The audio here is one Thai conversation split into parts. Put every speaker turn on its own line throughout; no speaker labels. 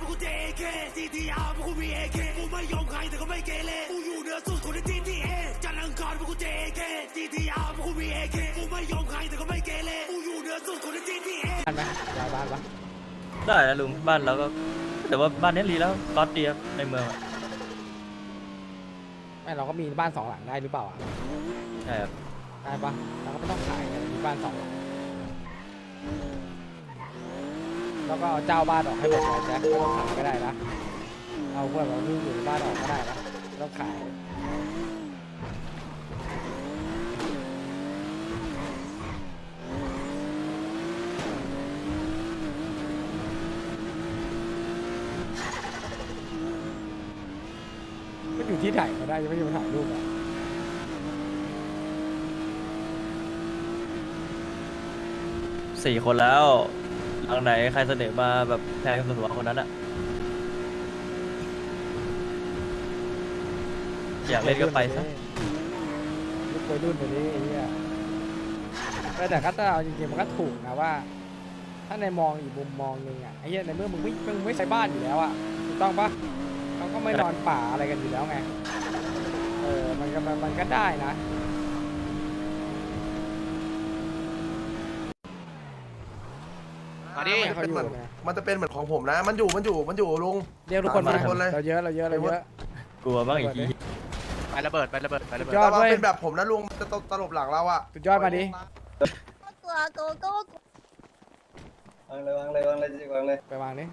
กูเจเคซีทีอาร์พวกกูมีเอเคกูไม่ยอมใครแต่ก็ไม่เกเรกูอยู่เหนือสุดคนในทีทีเอจันทร์อังคารพวกกูเจเคซีทีอาร์พวกกูมีเอเคกูไม่ยอมใครแต่ก็ไม่เกเรกูอยู่เหนือสุดคนในทีทีเอ
บ้านไหมย้ายบ้านปะ
ได้นะลุงบ้านเราก็แต่ว่าบ้านนี้รีแล้วก๊อตดีครับในเมืองอะ
ไม่เราก็มีบ้าน2 หลังได้หรือเปล่าอ่ะ
ใช่ครับ
ได้ปะเราก็ไม่ต้องขายกันมีบ้าน2 หลังแล้วก็เอาเจ้าบ้านออกให้หมดเลยแจ็คไม่ต้องขายก็ได้นะเอาพวกเราที่อยู่ในบ้านออกก็ได้นะไม่ต้องขายมันอยู่ที่ถ่ายก็ได้ยังไม่อยู่ถ่ายรูปอ่ะ
4 คนแล้วหลังไหนใครเสนอมาแบบแพงสุดหัวคนนั้นอะอยากเล่นก็ไปซะ
ลูกวัยรุ่นแบบนี้ไอ้เหี้ยแต่ก็ถ้าเอาจริงๆมันก็ถูกนะว่า ถ้าในมองอีกมุมมองหนึ่งอ่ะไอ้เหี้ยในเมื่อมึงไม่ใช้บ้านอยู่แล้วอ่ะถูกต้องปะเขาก็ไม่นอนป่าอะไรกันอยู่แล้วไงมันก็ได้นะ
มาดิ
เขาอยู่ไง
มันจะเป็นเหมือนของผมนะ มันอยู่ลุง
เรียกทุกคนมา
ทุกคนเลย
เราเยอะ
กลัวบ้างอีกที
ไประเบิดไประเบิดไประเบิด
ยอด
แต่ว่า
เว้ย
เป็นแบบผมนะลุงมันจะตลบหลังเราอะ
สุดยอดมาดิ
ตัวโกโก้
วางเลยวางเลยวางเลย
ไปวางดิ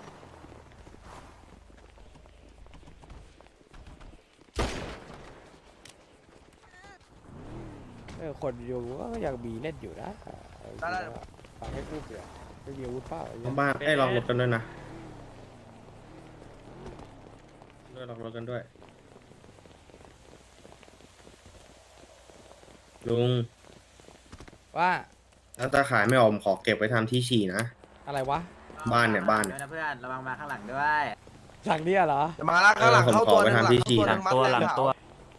คนอยู่ก็อยากบีเล่นอยู่นะฟังให้พูดเดี๋ยวไม่มีอาวุธเปล่าไอ้เหี้ย
บ้านให้ลองรถกันด้วยนะลองรถกันด้วยลุง
ว่า
ถ้าตาขายไม่ออกผมขอเก็บไว้ทำที่ฉี่นะ
อะไรวะ
บ้านเนี่ยบ้าน
ด้วยนะเพื่อนระวังมาข้างหลังด้วย
หลังเนี่ยเหรอ
จะมาละข้างหลังเข้าตัวหนึ่ง
ผมขอไปทำที่ฉี่
หลัง
ตัวหลังตัว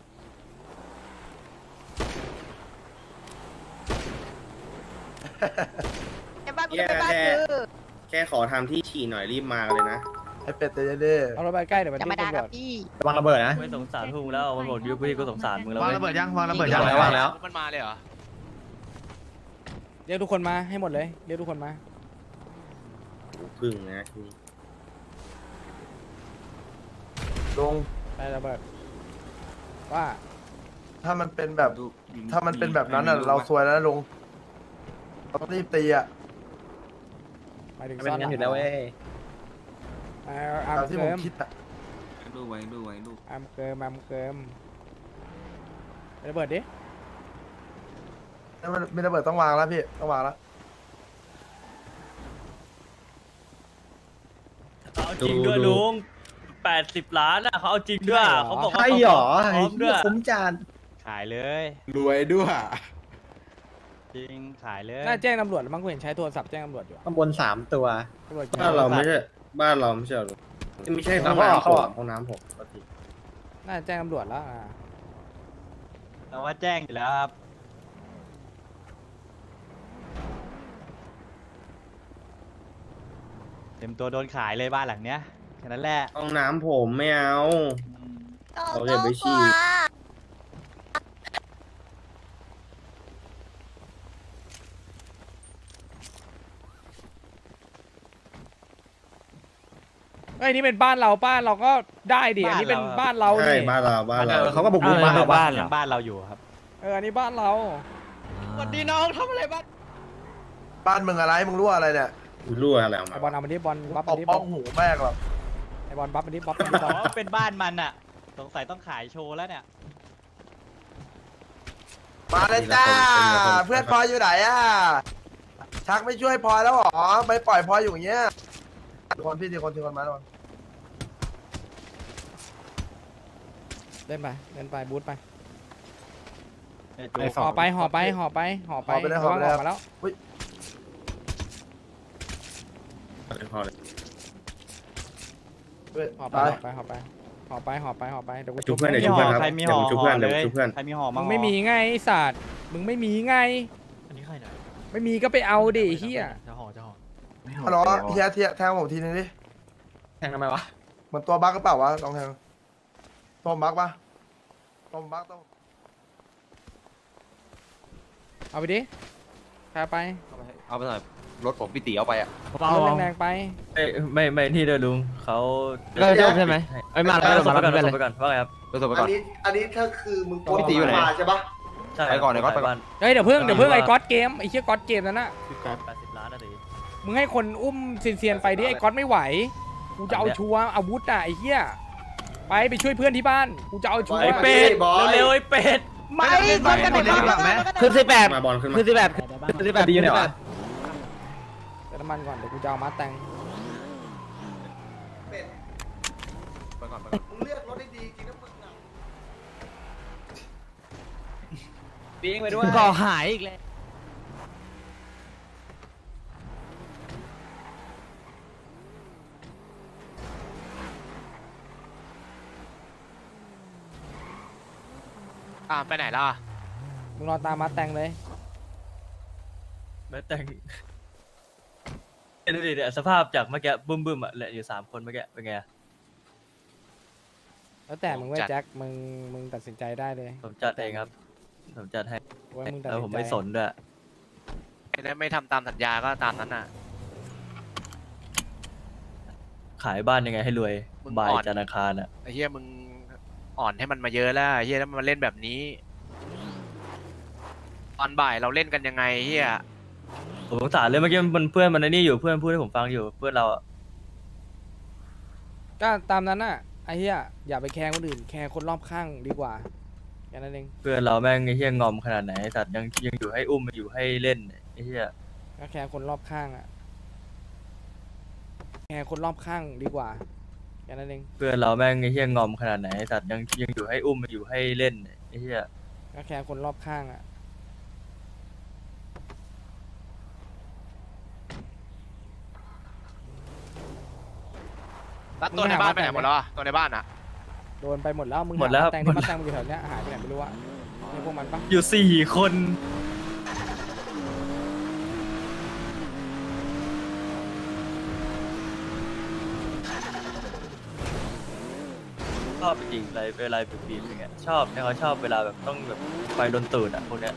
ไอ้บ้านกูจะไปบ้านคือ
แค่ขอทำที่ฉี่หน่อยรีบมาเลยนะ
ไอเป็ดเตยเด้
เอารถไปใกล้เดี๋ยวมัน
จะ
ทิ้
มาง ด่า
ตำร
กั
ว
บ
จ
พี่
ระวังระเบิดนะ
ไม่สงสารพวกมึงแล้วมันบอกยุคพี่ก็สงสารมึงแล้ว
วาง
เว้ย
ระเบิดยังวางระเบิดยัง
วางแล้ว
มันมาเลยเหรอ
เรียกทุกคนมาให้หมดเลยเรียกทุกคนมา
พึ่งนะ
ลุง
ไประเบิดว่า
ถ้ามันเป็นแบบนั้นอะเราซวยแล้วนะลุงเราต้องรีบตีอะ
หมายถึง
เป็น
ซ่อนห
งั้
ลั
น
ง
อยู่แล้วเว้ย
อาร์
ตาม
ม
ที่
เกิ
ผม
ม
คิดอะ
อาร์มเกิมระเบิดดิ
แล้วมันไม่ระเบิดต้องวางแล้วพี่ต้องวางแล้ว
เอาจริงด้วยลุง80 ล้านอะเขาเอาจริงด้วยเขาบอกว่า
ใช่หรอ
พร้อมด้วย
คุ้มจาน
ขายเลย
รวยด้วย
จริงขายเลย
น่าแจ้งตำรวจแล้วมั้งกูเห็นใช้โทรศัพท์แจ้งตำรวจอยู่อะ
ข้างบน3 ตัว
ตำรวจ
บ้านเราไม่ใช่บ้านเราไม่ใช่หรอไม่ใช่ห้องน้ำผมห้องน้ำผมปกติ
น่าแจ้งตำรวจแล้ว
แต่ว่าแจ้งอยู่แล้วครับ เต็มตัวโดนขายเลยบ้านหลังเนี้ยแค่นั้นแหละ
ห้องน้ำผมไม่เอา
โก
เอา
โก้
เก็บไว้ฉี่
กลัว
เอ้ยนี่เป็นบ้านเราก็ได้ดิอันนี้เป็นบ้านเรา
ใช่
นี่
บ้านเรา
เขาก็บุกรุกบ้านเรา
บ้านบ้านเราอยู่ครับ
อันนี้บ้านเรา
สวัสดีน้องทำอะไรบ้าง
บ้านมึงอะไรมึงรั่วอะไรเนี่ย
รั่วอะไรออก
ไอ
มา
บอลเอามาดิบอลบัฟ
ต
มา
บ
ดิ
ป้องหูแม่งหรอก
ไอบอลบัฟมาดิบัฟมาดิบ
อ๋
อล
อเป็นบ้านมันอะสงสัยต้องขายโชว์แล้วเนี่ย
มาเลยจ้าเพื่อนพลอยอยู่ไหนอะชักไม่ช่วยพลอยแล้วหรอไม่ปล่อยพลอยอยู่อย่างเงี้ยทีคนมาแล้ว
เล่นไปบูทไป
ไอ้
ห่อไประวังออกมาแล้ว
พอเลย
ห่อไปเดี๋ยวกู
จุบเพื่อน
มี
เดี๋ยว
ห่
จุบ
อ
เพื่อนครับ
ใครมี
เดี๋
ห่
ยว
อ
จุบ
ห่
เพื่
อ
อน
เล
เดี๋ยวย จุบเพื่อน
ใครมีห่อ
มึ
มาง
ไม่มีไงไอ้สัตว์มึงไม่มีไง
อันนี้ใครเนี่ย
ไม่มีก็ไปเอาดิเฮีย
จะห่อ
ฮัลโหลเทียแทงผมทีนึงดิ
แทงทำไมวะ
เหมือนตัวบั๊กก็เปล่าวะลองแทงตัวบั๊กปะตัวบั๊กต้อง
เอาไปดิพาไป
เอาไปหน่อยรถผมพี่ตีเอาไปอ่ะ
รถแรงๆไป
ไม่นี่ด้วยลุงเขา
ใช่ไหมไอ้มา
ไป
แล้ว
ส่ง
มา
ไป
แล้ว
ก่อนส่งไปก่อนว่าไงครับ
รถส่งไปก่อน
อันนี้ถ้าคือมึงโกน
พี่ตีอยู่ไหน
มาใช่ปะ
ใช่
ไปก่อนเดี๋ยวก่อนไปก่อน
เฮ้ยเดี๋ยวเพิ่งไอ้ก๊อตเกมไอ้เชี่ยก๊อตเกมนั่นน่ะ
80 ล้านนะตี
มึงให้คนอุ้มเซียนๆไปดิไอ้ก๊อตไม่ไหวกูจะเอาชัวร์อาวุธอ่ะไอ้เหี้ยไปช่วยเพื่อนที่บ้านกูจะเอาชัวร์
ไอ้เป็ดเร็วๆไอ้เป็ด
ไม่คนกันไหนกันไหน
คือ18
มาบอลขึ้นมา
คือ18ดีอยู่ไหนวะ
เติมน้ำมันก่อนเดี๋ยวกูจะเอามาแต่ง
ไปก่อนไปก่อน
มึงเลือกรถได้ดีจริงนะมึงอะ
ปิ้งไปด้วยก่อหายอีกแล้ว
ไปไหนแล้วอ่ะ
มึงรอตามมาแต่งเลย
แม่แต่งดูดิเนี่ยสภาพจากเมื่อกี้บึ้มๆอ่ะเหลืออยู่3 คนเมื่อกี้เป็นไงอะ
แล้วแต่มึงเว้ยแจ็คมึงตัดสินใจได้เลย
ผมจัดเองครับผมจัดให้
ว่ามึงตัด
แล้ว
สิ
ผ
น
ม
ใจ
ไม่สนด้วย
ไม่ทำตามสัญญาก็ตามนั้นน่ะ
ขายบ้านยังไงให้รวย
มึง
บาย
อ่อน
จันทร์อังคารอ่ะ
ไอ้เหี้ยมึงอ่อนให้มันมาเยอะแล้วไอ้เหี้ยแล้วมันมาเล่นแบบนี้ ตอนบ่ายเราเล่นกันยังไงเหี้ย
ผมสงสารเลยเมื่อกี้มันเพื่อนมันไอ้นี่อยู่เพื่อนพูดให้ผมฟังอยู่เพื่อนเราอ่ะ
ก็ตามนั้นน่ะไอ้เหี้ยอย่าไปแคร์คนอื่นแคร์คนรอบข้างดีกว่าแค่นั้นเอง
เพื่อนเราแม่งไอ้เหี้ยงอมขนาดไหนไอ้สัตว์ยังอยู่ให้อุ้มอยู่ให้เล่นไอ้เหี้ย
ก็แคร์คนรอบข้างอ่ะแคร์คนรอบข้างดีกว่าแค่นั้นเอง
เพื่อนเราแม่งไอ้เหี้ยงอมขนาดไหนไอ้สัตว์ยังอยู่ให้อุ้มอยู่ให้เล่นไอ้เหี้ย
ก็แคร์คนรอบข้างอ่ะ
แล้วตัวในบ้านไปไหนหมดแล้วอ่ะตัวในบ้านอ่ะ
โดนไปหมดแล้วมึง
หมดแล้ว
แต่งที่มาแต่งมึงอยู่แถวเนี้ยหายไปไหนไม่รู้อะมีพวกมันปะ
อยู่4 คนชอบจริงอะไรเวลาปีบๆอย่างเงี้ยชอบเนี่ยเขาชอบเวลาแบบต้องแบบไฟโดนตูดอ่ะพวกเนี้ย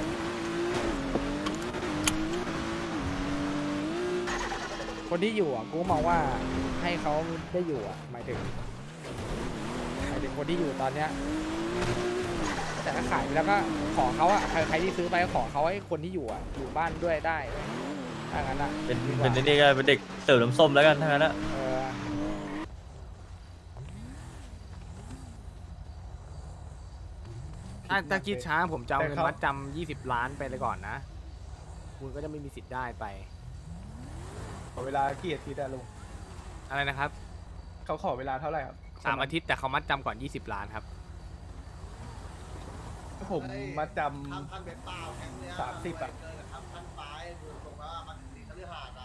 คนที่อยู่อ่ะกูมองว่าให้เขาได้อยู่อ่ะหมายถึงคนที่อยู่ตอนเนี้ยแต่ถ้าขายไปแล้วก็ขอเขาอ่ะใครที่ซื้อไปก็ขอเขาให้คนที่อยู่อ่ะอยู่บ้านด้วยได้ถ้างั้นอ่ะ
เป็น
ดีกว่า
เป็นไอ้นี่ก็เป็นเด็กเสิร์ฟน้ำส้มแล้วกันทั้งนั้นอะ
ถ้าคิดช้าผมจะเอาเงินมัดจำ20 ล้านไปเลยก่อนนะ คุณก็จะไม่มีสิทธิ์ได้ไป
ขอเวลากี่อาทิตย์อะลุง
อะไรนะครับ
เขาขอเวลาเท่าไหร่ครับ
3 อาทิตย์แต่เขามัดจำก่อน20 ล้านครับ
ผมมาจ
พันเป็นเปล่าแข่งเนี่ย
30อะ
เกินกับพันไปดูตรงว่ามันสีคฤหาสน์อะ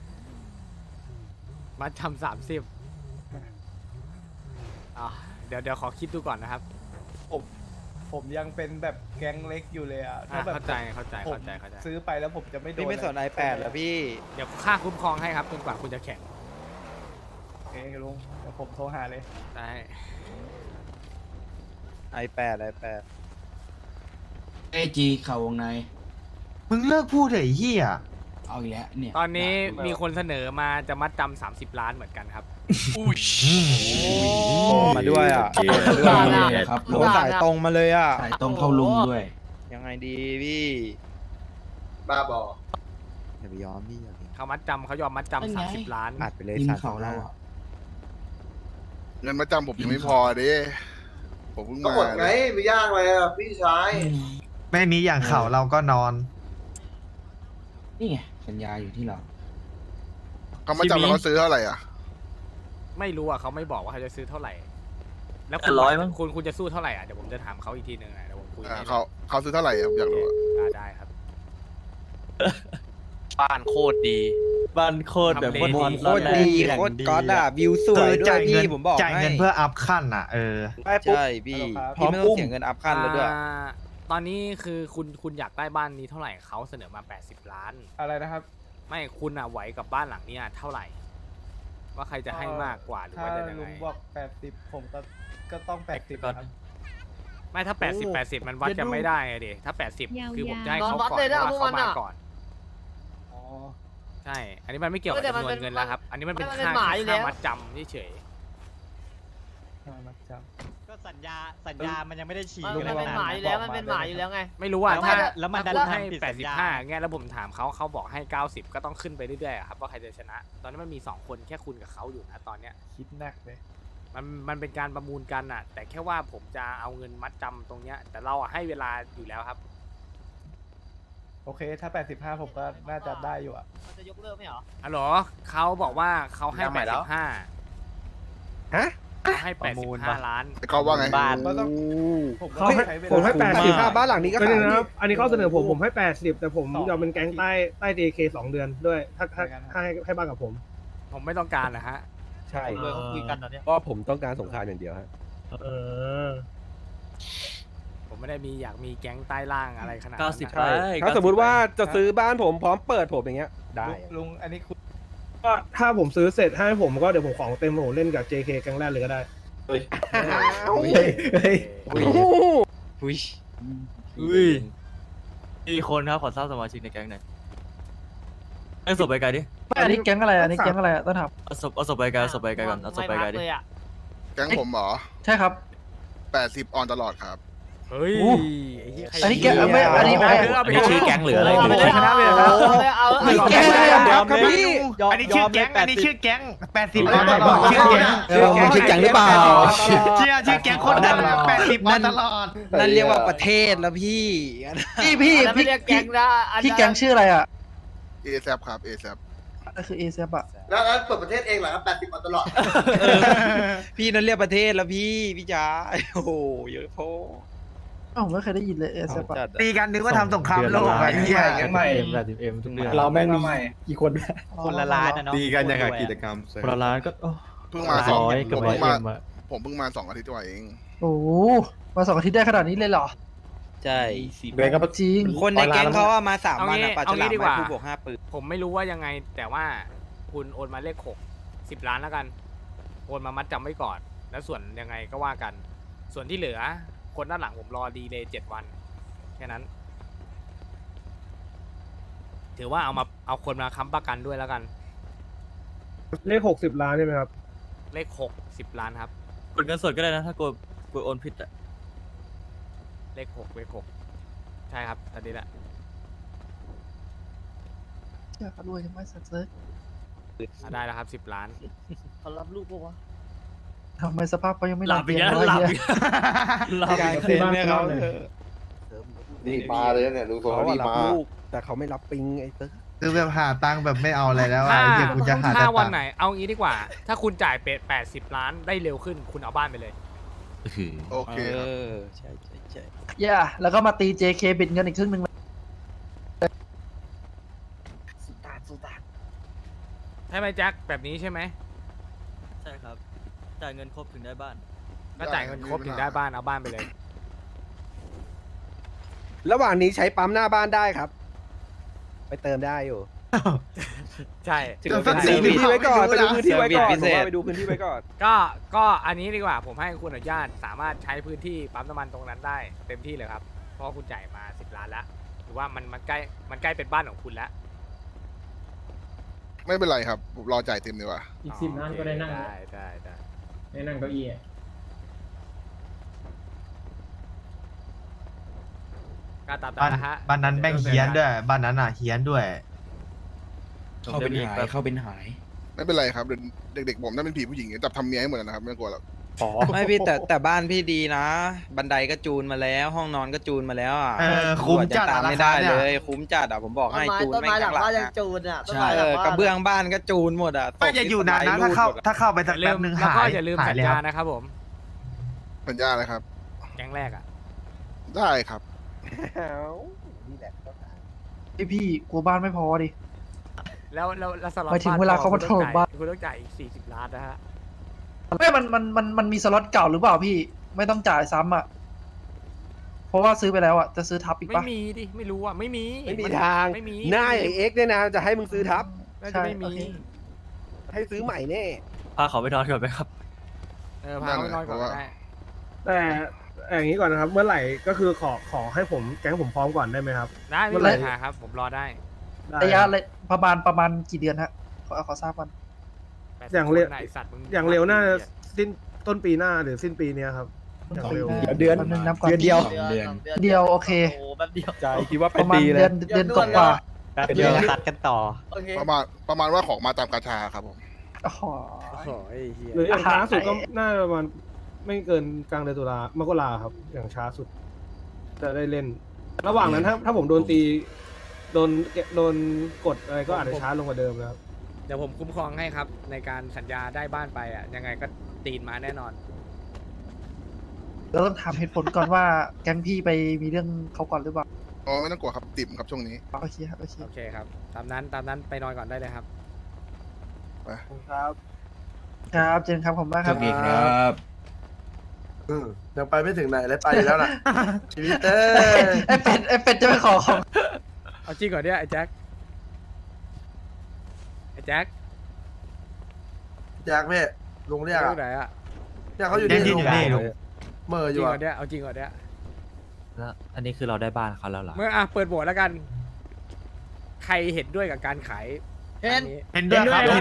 มัดจำ30เดี๋ยวขอคิดดูก่อนนะครับ
ผมยังเป็นแบบแก๊งเล็กอยู่เลยอะถ้าแบบ
เข้าใจ
ผมซื้อไปแล้วผมจะไม่โดน
พี่ไม่สน iPad เหรอพี่
เดี๋ยวค่าคุ้มครองให้ครับจนกว่าคุณจะแข่ง
โอเคลุงเดี๋ยวผมโทรหาเลย
ได้
iPad
เอจีเข่าวงใน
มึงเลิกพูดเถอะไอ้เหี้ย
เอาอีกแล้วเนี่ย
ตอนนี้มีคนเสนอมาจะมัดจำ30 ล้านเหมือนกันครับ
มาด้วยอ่ะ
ครับ
โหสายตรงมาเลยอ่ะ
สายตรงเข้าลุงด้วย
ยังไงดีพี่
บ้าบอ
อย่าไปยอมพี่อย่าไป
เขามัดจำเขายอมมัดจำ30 ล้าน
อัดไปเลย
ริม
สัตว์
เขาเราอ่ะ
เงินมาจำผมยังไม่พอเด้ผมเพิ่ง
ก็
มา
หมดไงไม่ยากเลยอะพี่ชาย
ไม่มีอย่างเขาเราก็นอน
นี่ไงสัญญาอยู่ที่เรา
เขามาจำแล้วเขาซื้อเท่าไหร่อ่ะ
ไม่รู้อ่ะเขาไม่บอกว่าเขาจะซื้อเท่าไหร่ แล้ว
100มั้ง
คุณจะสู้เท่าไหร่อ่ะเดี๋ยวผมจะถามเขาอีกทีหนึงอ่ะเดี๋ยวผมคุยให้
เขาซื้อเท่าไหร่อะผมอยากรู้อะ
ได้ครับ
บ้านโคตรดี
บ้านโคตรแบบ
ทำเลดี
โคตรดีโคตรก๊อตอ่ะวิวสวยด้วยพี่ผมบอกจ่ายเงินเพื่ออัพขั้นอ่ะใช่พี่พี่ไม่ต้องเสียเงินอัพขั้นแล้วด้วย
ตอนนี้คือคุณอยากได้บ้านนี้เท่าไหร่เขาเสนอมา80 ล้าน
อะไรนะครับ
ไม่คุณอ่ะไหวกับบ้านหลังเนี้ยเท่าไหร่ว่าใครจะให้มากกว่าหรือ
ถ้า
ว่าจะยัง
ลุ
ไง
งบอก80ผมก็ต้อง80ครับ
ไม่ถ้า80มันวัดกันไม่ได้ไงดิถ้า80คือผมจะให้เขาก่อน
เลยนะ
เพราะว่าเขา
พวกมัน
มา
อะ
ก่อนใช่ อันนี้มันไม่เกี่ยวกับ
แต่
จำน
มั
วน
น
เงินแล้วครับ อันนี้มันเป็น
มันเป็น
ค่า
หมายอยู่แล้ว
มัดจำเฉย
มัดจ
ก็สัญญามันยังไม่ได้ฉีก
ลุง
กั
มัน
น
เป็น
นะ
หมายอยู่แล้วมันเป็นหมายอยู่แล้วไง
ๆไม่รู้ว่า
แล้ว
ถ้า
แล้วมันดัน
ถ้าคุณให้
ทำผิดสัญญา
85เงี้ยแล้วผมถามเขาบอกให้90ก็ต้องขึ้นไปเรื่อยๆอะครับว่าใครจะชนะ ตอนนี้มันมี2คนแค่คุณกับเขาอยู่นะตอนเนี้ย
คิดหนักเลย
มันเป็นการประมูลกันอะแต่แค่ว่าผมจะเอาเงินมัดจำตรงเนี้ยแต่เราอะให้เวลาอยู่แล้วครับ
โอเคถ้า85ผมก็น่าจะได้อยู่อ่ะ
มันจะยกเลิกไหมเหรอ
อ๋อเหรอเขาบอกว่าเขาให้
ยังใหม่แล้ว
85
ฮะ
เขาให้
ประมูลปะ
85 ล้าน
เขาว่าไง
บ้าน
ก็ต้อง
เขาให้
ใช้เวลา
ผมให้
คุ้มมาก
80บ้านหลังนี้ก็
ก็
ขาย
เนี่ยนะครับ อันนี้ข้อเสนอผมให้ 80 แต่ผม
2
ยอมเป็นแก๊งใต้ DK 2 เดือนด้วย ถ้าให้บ้านกับผม
ผมไม่ต้องการนะฮะ
ใช่
เลยเขาคุยกันตอนเนี้ย
ก็ผมต้องการสงครามอย่างเดียวฮะ
เออ
ผมไม่ได้อยากมีแก๊งใต้ล่างอะไรขนาดนั้น
90
นะ
ใช่
ถ้าสมมุติว่าจะซื้อบ้านผมพร้อมเปิดผมอย่างเงี้ยได้
ลุงอันนี้คุณ
ก็ถ้าผมซื้อเสร็จให้ผมก็เดี๋ยวผมของเต็มผมเล่นกับ JK แก๊งแรกเลยก็ได้
อุ้ยกี่คนครับขอทราบสมาชิกในแก๊งหน่อยเอาศพไปไกลดิ
อันนี้แก๊งอะไรอันนี้แก๊งอะไรต้องถาม
เอาศพไปไกลเอาศพไปไกลก่อนเอาศพไปไกลดิ
ม่พัเลยอะ
แก๊งผมเหรอ
ใช่ครับ
80 ออนตลอดครับ
เฮ้ย
อู้
ไเหี้ยใคร
อันนี้แก๊งไม่อันนี้ไม่
อันนี้ชื่อแก๊งหรืออะไร
เอาไปเลยชนะไปเลยนะเอา
ไม่แก๊งอะไรอะครับพี่
อันนี้ชื่อแก๊งอันนี้ชื่อแก๊ง
80ล้านตลอด
ชื่อแก๊ง
ชื่อแก๊งหรือเปล่า
ชื่อแก๊งคนดัง80มาตลอด
นั่นเรียกว่าประเทศแล้วพี่พี่
อันนั้นไม่เรียกแก๊งนะอันนั้น
พี่แก๊งชื่ออะไรอ่ะ
ASAP ครับ ASAP
ก็คือเอเซปอ่ะ
แล้วเปิดประเทศเองเหรอครับ80มาตลอด
พี่นั่นเรียกประเทศแล้วพี่จ๋าโอ้โหเยอะโพผมไม่เคยได้ยินเลยเอเซปอ่ะ
ตีกันนึกว่าทำสงครามโลกอะไรเงี้ย
แก๊งใหม่
ทุกเดือน
เราแม่งมีกี่คน
คนละล้านนะเนาะ
ตีกันอย่างกับกิจกรรม
คนละล้านก็
เพิ่งมาสอง
100
ผมเพิ่งมาผมเพิ่งมา2 อาทิตย์กว่าเอง
โอ้มา2 อาทิตย์ได้ขนาดนี้เลยเหรอ
ใช่
เบนก็
จริง
คนในแก๊งเขาว่ามา3 วัน
เอางี้
ปลาฉลาม
ดีกว่า
ไม่ผู้บวก5 ปืน
ผมไม่รู้ว่ายังไง แต่ว่าคุณโอนมาเลข6 10 ล้านแล้วกัน โอนมามัดจำไว้ก่อน แล้วส่วนยังไงก็ว่ากัน ส่วนที่เหลือ คนด้านหลังผมรอดีเลย7 วัน แค่นั้น ถือว่าเอาคนมาค้ำประกันด้วยแล้วกัน
เลข 60 ล้านใช่ไหมครับ
เลข60 ล้านครับ
กดเงินสดก็ได้นะถ้ากดโอนผิดอะ
เลข6ใช่ครับตอนนี้แหละ
อยากรวยจังไม่สักเซอร์
ได้แล้วครับ10 ล้าน
เขารับลูกปะวะ
ทำไมสภาพเขายังไม่
หลับอีกแล้ว
เตียง
หลับ
วะ
อีกหลับ
การซื้อบ้านเขาเลย
นี่มาเลยเนี่ยดูเขารับลูกแต่เขาไม่รับปิงไอ้เต๊ะ
คือแบบหาตังค์แบบไม่เอาอะไรแล้ว
ถ้า
อ่ะเดี๋ยวกูจะหา
ถ้า
แต่
วัน
ตังค์
ไหน เอางี้ดีกว่า ถ้าคุณจ่ายเป็ด80 ล้านได้เร็วขึ้น คุณเอาบ้านไปเลย
โอเคครับ
ใช่ใช่ใช่
ย่าแล้วก็มาตี JK บิดเงินอีกครึ่งหนึ่ง
ใช่ไหมแจ็คแบบนี้ใช่ไหม
ใช่ครับจ่ายเงินครบถึงได้บ้าน
ก็จ่ายเงินครบถึงได้บ้านเอาบ้านไปเลย
ระหว่างนี้ใช้ปั๊มหน้าบ้านได้ครับ ไปเติมได้อยู่
ใช่
ไปดูพื้นที่ไว้ก่อนไปดูพื้นที่ไว้ก่อนผมว่าไปดูพื้นที่ไว้ก่อน
ก็อันนี้ดีกว่าผมให้คุณอนุญาตสามารถใช้พื้นที่ปั๊มน้ำมันตรงนั้นได้เต็มที่เลยครับ เพราะคุณจ่ายมา10 ล้านแล้วหรือว่ามันใกล้เป็นบ้านของคุณแล้ว
ไม่เป็นไรครับผมรอจ่ายเต็มดีกว่า
อีก 10 ล้านก็ได้นั่ง
ได้
ได้นั่งเก้าอี้
ก็ตามนั้นนะฮะ
บ้านนั้นแม่งเฮี้ยนด้วยบ้านนั้นอ่ะเฮี้ยนด้วย
เข้าเป็นหายเข้าเป็นหาย
ไม่เป็นไรครับเด็กๆผมนั่นเป็นผีผู้หญิงจับทำเมียให้หมดแล้วนะครับไม่ต้องกลัวหรอก
ไม่พี่แต่บ้านพี่ดีนะ บันไดก็จูนมาแล้ว ห้องนอนก็จูนมาแล้วอ่ะ
คุ้มจัด
ตามไม่ได้เลย คุ้มจัดอ่ะผมบอกให้จูน
ต้น
แม่
ไม้
ง
หลั
ข้าง งหลัง
บ้านยัง
อะ
จูนอ่ะต้น
ใช่
ไม้หลังบ้าน
กระเบื้องบ้านก็จูนหมดอ่ะ
ไม่อย่าอยู่นานนะถ้าเข้าไปสักแป๊บนึง
แล้ว
หา
ก็
ย
อย่าลืม
หา
สั
ย
ญ
เลย
ญา
ครับ
นะครับผม
สัญญาอะไรครับ
แก๊งแรกอ่ะ
ได้ครับ
พี่กลัวบ้านไม่พอดิ
แล้วสล็อต
หมายถึงเวลาเขามาโทรบ้าน
คุณต้องจ่ายอีก40 ล้านนะฮะ
ไม่มันมีสล็อตเก่าหรือเปล่าพี่ไม่ต้องจ่ายซ้ำอ่ะเพราะว่าซื้อไปแล้วอ่ะจะซื้อทับอีก
ไม่
ปะ
มีดิไม่รู้อ่ะไม่มี
ไม่มีทาง
ไม่มี
หน้าไอ้เอ็กซ์เนี่ยนะจะให้มึงซื้อทับ
น่าจะไม่มี
โอเค
ให้ซื้อใหม่แน่
พาเขาไปนอนก่อนไหมครับ
พาเขาไปนอนก่อนก็ได้
แต่อย่างนี้ก่อนนะครับ เมื่อไหร่ก็คือขอให้ผมแก๊งผมพร้อมก่อนได้ไหมครับ
ได้ไม่มีปัญหาครับผมรอได้
ระยะ
ประมาณกี่เดือนฮะขอทราบก่อน
อย่างเร็ว
ไหนสัตว์มึง
อย่างเร็วน่าจะสิ้นต้นปีหน้าหรือสิ้นปีเนี้ยครับอย่างเร็ว
เดือนเดียวเดียวโอเค
โอ้แบบเดียว
ใจคิดว่า
ป
เป็น
ระมาณ
ปีเลย
เดือนกว่า
เดียวตัดกันต่อ
ประมาณว่าของมาตามกาชาครับผม
อ๋อ
โอ้โหไอ้เหี้ย
หรืออย่างช้าสุดก็น่าจะประมาณไม่เกินกลางเดือนตุลามกราครับ อย่างช้าสุด จะได้เล่น ระหว่างนั้นถ้าผมโดนตีโดนกดอะไรก็อาจจะช้าลงกว่าเดิมนะครับ
เดี๋ยวผมคุ้มครองให้ครับในการสัญญาได้บ้านไปอ่ะยังไงก็ตีนมาแน่นอน
เราต้องถามเหตุผลก่อนว่าแก๊งพี่ไปมีเรื่องเขาก่อนหรือเปล่า
อ๋อไม่ต้องกลัวครับติ่มครับช่วงนี้
โอเคครับโอเค
โอเคครับตามนั้นไปนอนก่อนได้เลยครับ
ครับครับเจนครับผมมากครับ
ยังไปไม่ถึงไหนเลยไปอยู่แล้วนะชีวิต
ไอเป็ดจะไปขอของ
เอาจริงก่อนเนี่ยไอ้แจ็คแจ็ค
แจ็คพี่ลุงเรียก
อยู่
อะ
ไหนอ่ะ
เนี่ยเขาอยู่นี่ลุงเมื่อ
เอา
อ
จริ
ยู่
ง
อะ
ก่อนเนี่ยเอาจริงก่อนเนี่ย
แล้วอันนี้คือเราได้บ้านเขาแล้วเหรอ
เมื่อเปิดโหวตแล้วกัน ใครเห็นด้วยกับการขายอันนี้
เห็นด้วยครับ
ไป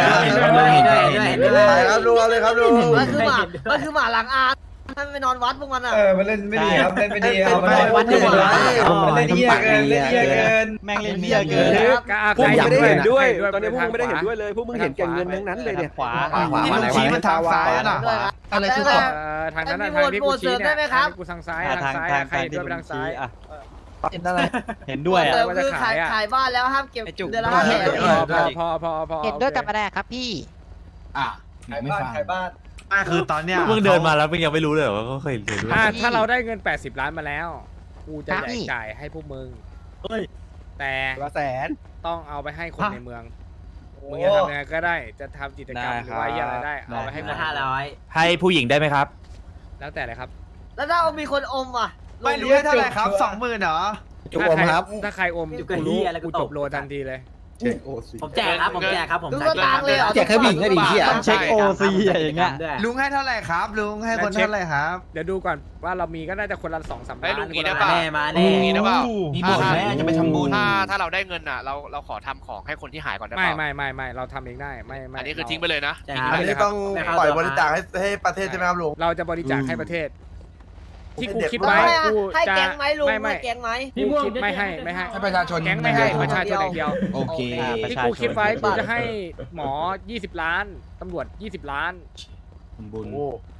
ครับลุงเอาเลยครับลุง
มันคือหมาหลังอาถ้าไปนอนวัดพวกมันอ่ะ
มันเล่นไม่ดีครับเล่นไม่ดีเอา
ไปวัดดีกว่า
เล่นเหี้ยเกินเล่นเหี้ยเกินแม่งเล่นเหี้ยเกิน
พวกมึงไม่ได้เห็นด้วย
ตอนนี้พวกมึงไม่ได้เห็นด้วยเลยพวกมึงเห็นแก่เงินทั้งนั้นเลยเนี่ยขวา
ที่มึงชี้มันทางซ้ายน่ะ
อะไรคือ
ทางนั้นทางที่กูชี้เนี่ยทางที่กูทางซ้ายใครเห็นด้วยไปทางซ้าย
เห็นอะไร
เห็นด้วย
เติ
อ่ะ
มคือขายบ้านแล้วห้ามเก็บเดือนละ
พอ
เห็นด้วยกับอะไรครับพี่
ขายบ้าน
คือตอนเนี้ย
มึงเดินมาแล้วมึงยังไม่รู้เลยเหรอว่าเขาเคยเห็นด้วย
ถ้าเราได้เงิน80 ล้านมาแล้วกูจะจ่ายให้พวกมึงแต่
ละแสน
ต้องเอาไปให้คนในเมืองมึงจะทำยังไงก็ได้จะทำกิจกรรมหรือว่าอะไรได้เอาไปให้คน
ให้ผู้หญิงได้ไหมครับ
แล้วแต่เลยครับ
แล้วถ้ามีคนอมอ่ะ
ไม่รู้เท่าไหร่ครับ 20,000เหรอ
ถ้าใครอมกูรู้กูจบโลทันทีเลย
ผมแจกครับดูก็ตังเลยเหรอ
แจกแค่บิ่งก็ดีเหี้ยเช็คโอซีอย่างเงี้ย
ลุงให้เท่าไหร่ครับ ลุงให้คนเท่าไหร่ครับ
เดี๋ยวดูก่อนว่าเรามีก็น่าจะคนละ2-3 ล้าน
ลุงนี้ได้ป่ะ
มาแน่
ลุงนี้ได้ป่ะ
มีบ่นแม่จะไปทำบุญ
ถ้าเราได้เงินอ่ะเราขอทำของให้คนที่หายก่อนได้
ไม่
ป่ะ
ไม่เราทำเองได้ไม่
อันนี้คือทิ้งไปเลยนะ
อันนี้ต้องปล่อยบริจาคให้ประเทศใช่ไหมครับลุง
เราจะบริจาคให้ประเทศ ที่กูคิดไว้กู
ให้
จะ
แก๊งไหมลุง
ไม่
ให้แก๊งไหม
กูคิดไม่ให้
ให้ประชาชน
แก๊งไม่ให้ประชาชนอย่างเดียว
โอเค
ที่กูคิดไว้กูจะให้หมอ20 ล้านตำรวจ20 ล้าน
บุญ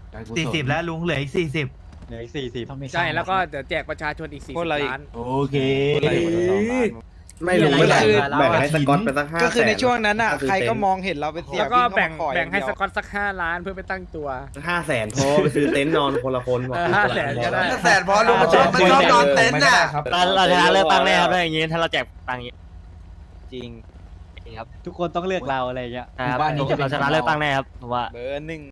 40แล้วลุงเหลืออีก40
เหลืออีก40
ใช่แล้วก็เดี๋ยวแจกประชาชนอีก40 ล้าน
โอเค
ไม่รู้ไม่แบ่งให้สกอตไปสัก500,000
ก็คือในช่วงนั้นอ่ะใครก็มองเห็นเราเป็นเสีย
แล้วก็
วิ่เข้ามาขอ
แบ่งให้
อย่าง
ส
เดียว
กอตสัก5 ล้านเพื่อไปตั้งตัว
500,000พอไปซื้อเต็นท์นอนคนละคนบอก
500,000ก็ได้
แสนพอลุงมันชอบนอนเต็นท์น่ะ
เราชนะเลือกตั้งแน่ครับถ้าอย่างงี้ถ้าเราแจกตังค์อย่างงี้
จริงครับทุกคนต้องเลือกเราอะไรเงี้ย
เราชนะเลือกตั้งแน่ครับผมว่า
เบอร์ 1